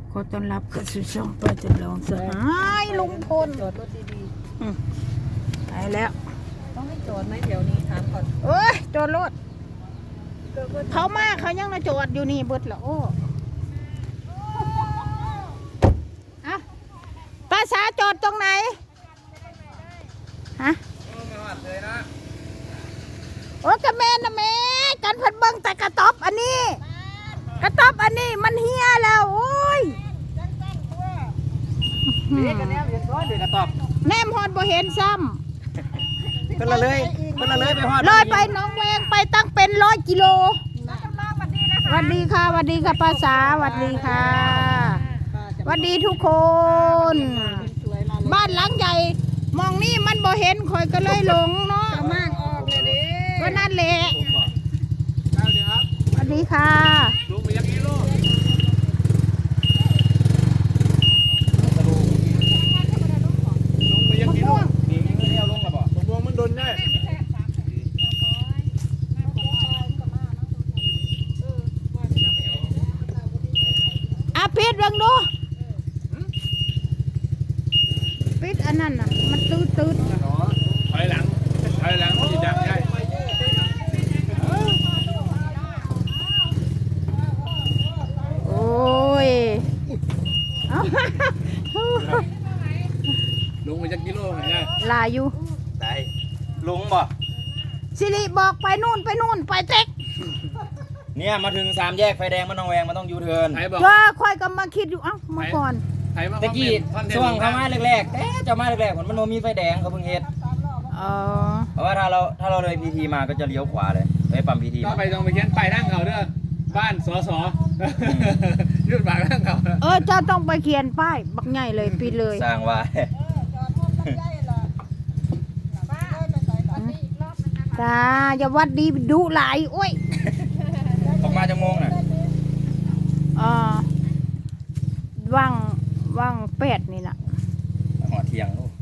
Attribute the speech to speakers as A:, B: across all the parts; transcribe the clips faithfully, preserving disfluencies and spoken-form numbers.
A: ขอต้อนรับเข้าสู่ช่องป้าจำลองสหายลุงพล
B: จอดรถดี
A: อืมไปแล้ว
B: ๆต้องให้จอดไหมแถวนี้ถามก่อน
A: เอ้ยจอดรถ
B: ก็ก็
A: เขามาเขายังมาจอดอยู่นี่เบิดละโอ้อะป้าสาจอดตรงไหนฮะโอ้กระแมนนะแม่กันเพัดเบิ้งแต่กระต๊อบอันนี้ กระต๊อบอันนี้มันเฮียแล้วโอ้ย
B: เด็กกันแนวเห็นก้อนเด็กกระตอบ
A: แนมฮอดบ่เห็นซ้
B: เพิ่นละเลยเพิ่นละเลยไปฮอด
A: ำเลยไปหน้องแวงไปตั้งเป็นร้อยกิโลสวัสดีค่ะสวัสดีค่ะป้าสาสวัสดีค่ะสวัสดีทุกคน บ้านหลังใหญ่มองนี่มันบ่เห็นคอยก็เลยหลงเนาะ
B: มากออกเลยดิ
A: ก็นั่นแหละสวัสดีค่ะ
C: ลุงไปยักษ์กิโลลุงไปยักษ์กิโลนี่เที่ยวลงแล้วบ่ตกลงมันโดนได้
A: อาปิดเบิ่งดูปิดอันนั้นน่ะมันตืดตืด
C: ถอยหลังถอยหลังที่ดักได้
A: โอ้ยเอา
C: ลุงไปยักษ์กิโลเห็นไหม
A: ลายอยู่
C: ได้ลุงบ่
A: สิริบอกไปนู่นไปนู่นไปเต็ก
D: เนี่ยมาถึงสามแยกไฟแดงมันต้องแวงมันต้องยูเทิร์น
C: ไทยบอก
A: ว่าค่อยก็มาคิดอยู่เอ้ามาก่อน
C: ไทยมา
D: ตะกี้ช่วงเขามาแรกๆแต่เจะมาแรกๆมันมันโนมีไฟแดงเขาเพิ่งเฮ็ด
A: อ๋อ
D: เพราะว่าถ้าเราถ้าเราเลยพีทีมาก็จะเลี้ยวขวาเลยไปปั๊มพีที
C: ก็ไปตรงไปเขียนไปนั่งเขาเด้อบ้านสอสอยืดปากนั่งเขา
A: เออเจ้าต้องไปเขียนป้ายบักใหญ่เลยปิดเลย
D: สร้างว่า
A: จ้าอย่าวัดดีดุหลายโอ้ย
D: ออกมาจะงงน่ะ
A: อ่าว่างว่างแปดนี่น่ะ
D: หอเที่ยงลูก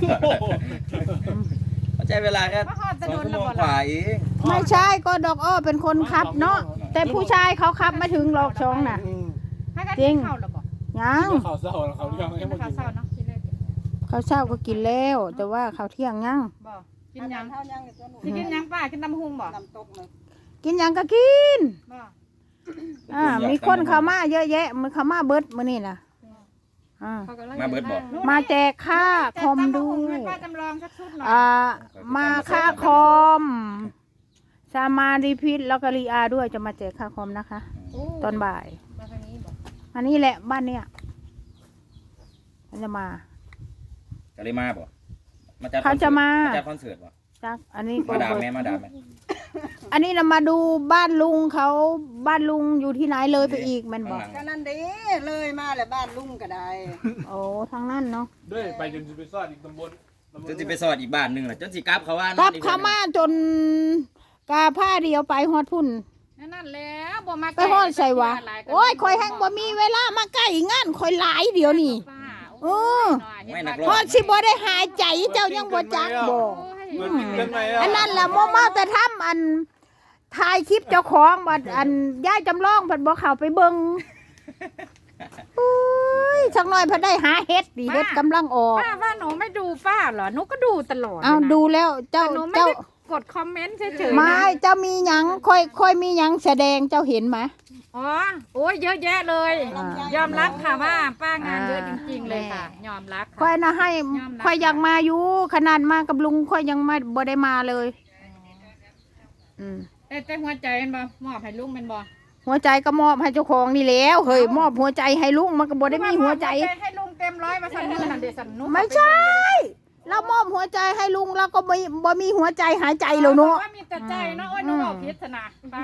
D: มันใช้เวลาแค่สองชั่วโมงกว่าเอง
A: ไม่ใช่ก็ดอกอ้อเป็นคนขับเนาะแต่ผู้ชายเขาขับมาถึงหลอกช่องน่ะจริงยัง
C: เขาเศร้าเขาเรื่องยังไม่กิน
A: เขาวเช้าก็กินแล้ว แต่ว่าเขาวเที่ยงยัง
B: บ่กินยังสิกินยังป้ากินน้ำหุงบ่
A: กินยังก็กิน
B: บ่
A: อ่ามีคนเข้ามาเยอะแยะมันเข้ามาเบิดมื้อนี้น่ะอ่า
D: มาเบิดบอก
A: มาแจกค่าคอมด้ว
B: ให้
A: ย
B: ป้าจำลองสักชุดหน่อย
A: อ่ามาค่าคอมสามารีพิษแล้วก็รีอาด้วยจะมาแจกค่าคอมนะคะ ตอนบ่าย
B: มาทางนี้บ่
A: อันนี้แหละบ้านเนี่ยมันจะมา
D: ก็เลยมาบ่มาจัด
A: เขาจะมา
D: จัดคอนเสิร์ตบ่
A: จักอันนี้ก็
D: มาดามแม่มาดามแม่
A: อันนี้เรามาดูบ้านลุงเขาบ้านลุงอยู่ที่ไหนเลยไปอีกแมันบอก
B: ก็นั่นเด้เลยมาแหละบ้านลุงก็ได้
A: โอ้ทางนั้นเนาะ
C: ด้วยไปจนไปซ่อนอีกตำบล
D: จนสิไปสอดอีกบ้านหนึงล่ะจนสิกลับเขาว่า
A: กลับเขามาจนกาผ้าเดียวไปฮอดพุ่น
B: นั่นแล้วบ่มา
A: ไปฮอดใส่วะโอ้ยคอยแห้งบ่มีเวลามาใกล้งานคอยหลายเดี๋ยวนี้ เออ
D: ไม่นักร้
A: ฮ
D: อ
A: อง ดสิบ่ได้หายใจเจ้ายังบ่จักบ่
C: เหมือนกินกันไหมอ่ะ
A: อันนั้นแหละโมมาแต่ทำอันถ่ายคลิปเจ้าของบัดอันย่ายจำลองเพิ่นบ่เข้าไปเบิ่งอุ้ยสักหน่อยเพิ่นได้หาเฮ็ดดิเฮ็ดกำลังออก
B: ป้าว่าหนูไม่ดูป้าเหรอหนูก็ดูตลอด
A: เอาดูแล้วเจ้า
B: แต่หนูไม่
A: เจ้า
B: ได้กดคอมเมนต์เฉยๆ
A: ไม่
B: นะ
A: เจ้ามีหยังค่อยค่อยมีหยังแสดงเจ้าเห็นไหม
B: อ๋อโอ้ยเยอะแยะเลย
A: อ่าย
B: อมรับค่ะว่าป้างานเยอะ
A: อ่า
B: จริงๆเลยค่ะ ยอมรับ
A: ค่อ
B: ค่ะ
A: ยนะให้
B: ยอมรับ
A: ค่อยอยากมาอยู่ขนาดมากับลุงค่อยยังไม่บ่ได้มาเลยอืม
B: แต่แต่หัวใจเป็นบ่มอบให้ลุงเป็นบ่
A: หัวใจก็มอบให้เจ้าของนี่แล้วเฮ้ยมอบหัวใจให้ลุงมันก็บ่ได้มีหัวใจ
B: ให้ลุงเต็มร้อยมาสั่นมือนั่นเดสันนุ
A: ไม่ใช่เรามอบหัวใจให้ลุงแล้วก็บ่บ่มีหัวใจหายใจแล้วเนาะ
B: ว่ามีแต่ใจเนาะโอ้ยหนูบอกพิษนะป้าม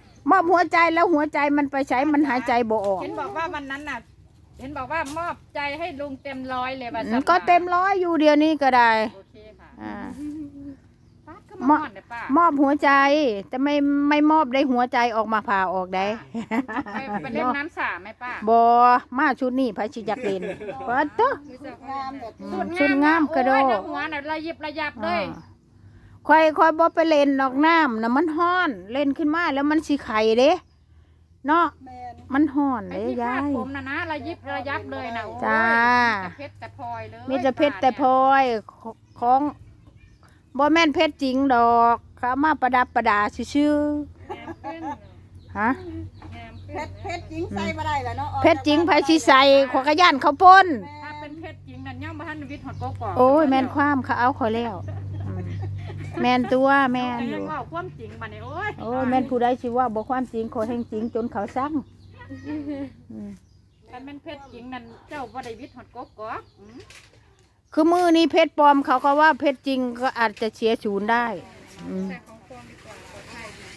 A: อบหัวใจแล้วหัวใจมันไปใช้มันหายใจบ่ออก
B: เห็นบอกว่าวันนั้นน่ะ เห็นบอกว่ามอบใจให้ลุงเต็มร้อยเลยว่า
A: อื
B: สั่
A: ม
B: น
A: ก็เต็มร้อยอยู่เดียวนี้ก็ได้
B: โอเคค่ะ
A: อ่า
B: ป้าก็มาหมดเลยป้าม
A: อบหัวใจแต่ไม่ไม่มอบได้หัวใจออกมาผ่าออกได้
B: ไปไปเล่นน้ำสาไหมป้า
A: บอมาชุดนี้ไผสิจักเล่นปัดเตอะ
B: งามแบบ
A: ชุดงามกระโดด
B: โอ้ยหัวน่ะระยิบระยับเลย
A: ค่อยค่อยบ่ไปเล่นดอกน้ำน่ะมันฮ้อน เล่นขึ้นมาแล้วมันสิไข่เด้เนาะ
B: แมน
A: มันห่อน
B: ไอ้
A: เลย
B: ที่คาย
A: า
B: ด
A: ย
B: ผมนะนะระยิบระยับเลยนะโอ้ย
A: จ้า
B: มีแต่เพชรแต่พลอยเลย
A: มีแต่เพชรแต่พลอยของบ่แม่นเพชรจริงดอกเขามาประดับประดาชื่อๆฮะ
E: เพชรเพชรจริงใส่บ่ได้แล้วเนาะ
A: เพชรจริงไผสิใส่ขอยกระย่านเขาป้น
B: ถ้าเป็นเพชรจริงนั่นย่อมบ่ทันวิทย์หอดโกกอก
A: โอ้ยแม่นความเขาเอาข่อยแล้วอืมแม่นตัวแม่น
B: แต่
A: อ
B: ยั
A: ยู่
B: งว่าความจริงมาเนี่ยโอ้ย
A: โอ้ยแม่นผู้ใดสิว่าบ่ความจริงขอยแห่งจริงจนเขาสั่งอืม
B: ถ้าเป็นเพชรจริงนั่นเจ้าบ่ได้วิทย์หอดโกกอกอืม
A: คือมือนี้เพชรปลอมเขาก็ว่าเพชรจริงก็อาจจะเสียศูนย์ได้อืม
B: แต่ของปลอมดีกว่าปลอดภัยดี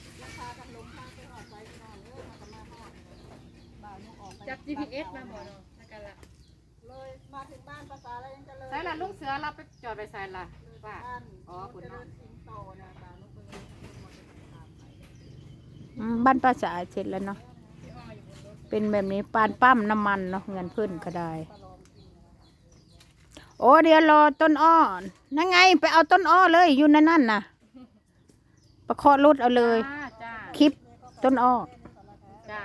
B: จับ จี พี เอส มาบ่เนาะแล้วกันละ
E: เลยมาถึงบ้านภาษาอะไรยังจะเลย
B: ใส่ละลุงเสือเราไปจอดไปใส่ละป้าอ๋อคุณ
E: จะ
B: เนาะ
E: เดินสิงโตนะบ้านลูกเพิ่ง
A: อืมบ้านป้าสาเสร็จแล้วเนาะเป็นแบบนี้ปานปั้มน้ำมันเนาะเงินเพื่อนก็ได้ โอ้เดี๋ยวรอต้นอ้อนั่นไงไปเอาต้นอ้อเลยอยู่ในนั่นน่ะประเคาะรถเอาเลย
B: จ้าจ้า
A: คลิปต้นอ้อ
B: จ้า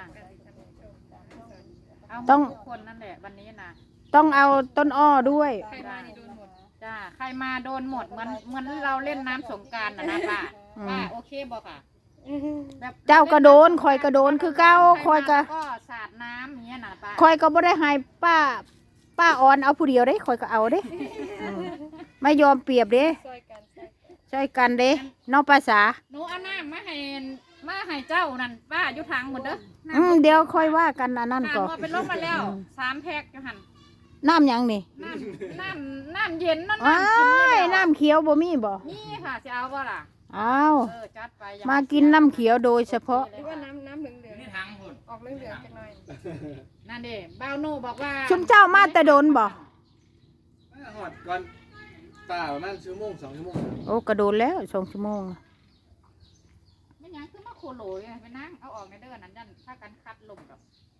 B: เอา
A: ต้อง
B: ทุกคนนั่นแหละวันนี้นะ
A: ต้องเอาต้นอ้อด้วย
B: ใครมานี่โดนหมดจ้าใครมาโดนหมดเหมือนเหมือนเราเล่นน้ำสงกรารนะนะป้า
A: อืม
B: ป้าโอเคบอกค่ะแบบ
A: เจ้าก็โดนคอยก็โดนคือเก้าคอยก็
B: ใรมาก็สาดน้ำอย่างเงี้ยนะป้า
A: คอยก็บ่ได้ให้ป้า ป้าออนเอาผู้เดียวเด้คอยก็เอาเด้อืมไม่ยอมเปรียบเด้ช่วยกันเด้นอกภาษา
B: หนูเอาน้ำมาให้มาให้เจ้านั่นป้าอยู่ทางหมดเด้อ
A: อืมเดี๋ยวค่อยว่ากันอันนั้น
B: น้ำ
A: ก่อน
B: ว่าเป็นลมมาแล้วสามแพ็คอยู่หัน
A: น้ำหยังนี่
B: น้ำน้ำน้ำเย็นนั่น
A: อ้า
B: น้ำกิน
A: ย
B: เลย
A: น้ำเขียวบ่มีบ่
B: นี่ค่ะจะเอาบ่ล่ะ
A: อ้าว
B: เออจัดไปอย่
A: มากินน้ำเขียวโดยเฉพาะ
B: หรือว่าน้ำน้ำเหลืองเหลือง
D: นี่ทางพุ่น
B: ออกเหลืองเหลืองจังหน่อยนั่นเด้บ่าวโน่บอกว่า
A: ชุมเจ้ามาแต่โดนบ่
C: หอดก่อนตาประมาณชั่วโมงสองชั่วโมง
A: โอ้กระโดดแล้วสองชั่วโมง
B: ไม่ยังคือมาโคโหลยไปนั่งเอาออกในเด้อนั้นยันถ้ากันคัดลมกับ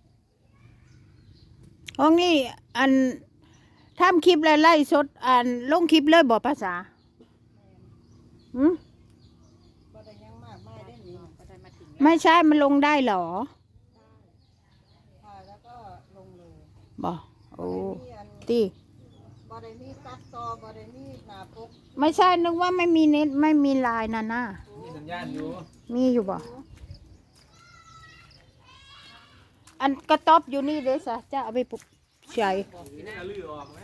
A: ห้องนี้อันทำคลิปแล้วไล่สดอันลงคลิปเลยบ่ภาษาหืม
E: บ่ได้ยังมากไม่ได้หนี
B: ก็ได้มาถึง
A: ไม่ใช่มันลงได้เหรอ
E: ถ่ายแล้วก็ลงเลย
A: บ่โอ้
E: มีอัน
A: ตี
E: บ่ได้มีตัดต่อบ่ได้มีหน้าปก
A: ไม่ใช่นึกว่าไม่มีเน็ตไม่มีไลน์น่ะนะ
C: มีสัญญาณอยู่
A: มีอยู่บ่อันกระต๊อบอยู่นี่เด้อสะจะเอาไปปลูกใช้
C: นี่น่าลือออกไหม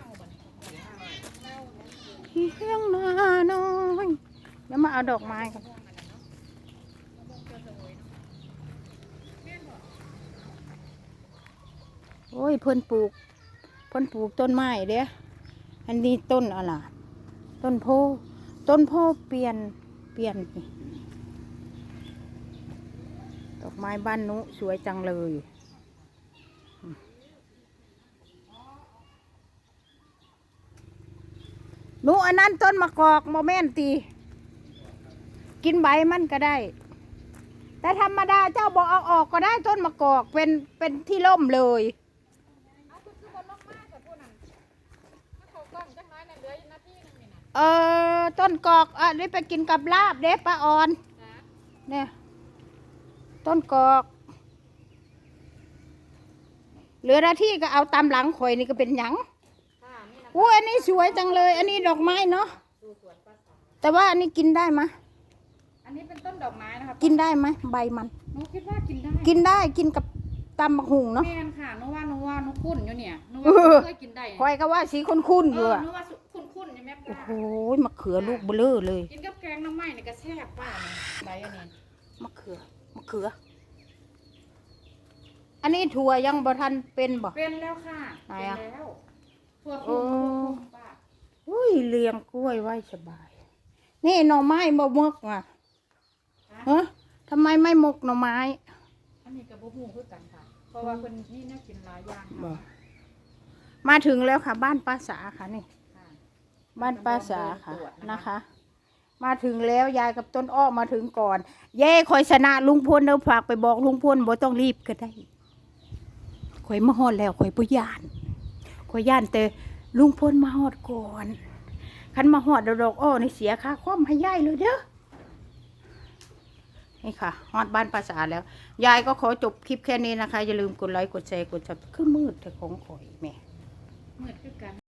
A: เฮียงนาน้อยเดี๋ยวมาเอาดอกไม้กันโอ้ยเพิ่นปลูกเพิ่นปลูกต้นไม้เด้ออันนี้ต้นอะไรต้นโพต้นโพเปลี่ยนเปลี่ยนนี่ดอกไม้บ้านนุสวยจังเลยหนูอันนั้นต้นมะกอกโมเมนตีกินใบมันก็ได้ แต่ธรรมดาเจ้าบอกเอาออกก็ได้ต้นมะกอกเป็นเป็นที่ร่มเลย
B: เอาคือคือบนลงมากกับผู้นั้นถ้าเขากล้องจังน้อยเนี่ยเหลืออยู่นาทีนึงนี่นะ
A: เออต้นกอกอันนี้ไปกินกับลาบเด้ป้าออน
B: จ้า
A: เนี่ยต้นกอก เหลือหน้าที่ก็เอาตามหลังข่อยนี่ก็เป็นหยัง
B: ค่ะนี่นะ
A: อู้อันนี้สวยจังเลย อันนี้ดอกไม้เนาะ
B: ดูสวนป้าสาว
A: แต่ว่าอันนี้กินได้ไหม
B: อันนี้เป็นต้นดอกไม้นะครับ
A: กินได้ไหมใบมัน
B: หนูคิดว่ากินได้
A: กินได้กินกับตำบักหุงเนาะ
B: แม่นค่ะหนูว่าหนูว่าหนูคุ้นอยู่เนี่ยหนู
A: เอ
B: ว่า
A: อ
B: เคยกินได้
A: ข่อยก็ว่าสีคุ้นๆอยู่
B: เออ
A: อะ
B: หนูว่าคุ้นคุ้นๆใช่ไหม
A: โอ้
B: ป้า
A: โหมะเขือลูกเบลอเลย
B: กินกับแกงน้ำไหม้เนี่ยก็แซ่บป้าเนี่ยใบอันนี้
A: มะเขือมะเขือ อันนี้ถั่วยังบ่ทันเป็นบ่
B: เป็นแล้วค่ะ
A: ไหน
B: เป็น
A: อะ
B: แล้วทั่วทุ่งทั่วทุ่งป้า
A: อุ้ยเลี้ยงกล้วยไว้สบาย นี่หน่อไม้บ่มกอ่ะฮะทำไมไม่มกหน่อไม้
B: อันนี้กับบุหูคือกันค่ะ เพราะว่าคนนี่น่ากินหลายอย่าง
A: บ่
B: ค่ะ
A: มาถึงแล้วค่ะ บ้านป้าสาค่ะนี่
B: ค่ะ
A: บ้านป้าสาค่ะนะคะ มาถึงแล้วยายกับต้นอ้อมาถึงก่อน เย่คอยชนะลุงพลเดี๋ยวฝากไปบอกลุงพลบ่ต้องรีบก็ได้คอยมาฮอดแล้วคอยบ่ย่านคอยย่านแต่ลุงพลมาฮอดก่อนคันมาฮอดดอกอ้อนี่เสียค่าความให้ยายเลยเด้อนี่ค่ะฮอดบ้านภาษาแล้วยายก็ขอจบคลิปแค่นี้นะคะอย่าลืมกดไลค์กดแชร์กดซับคือมืดแต่ของข่อยแม่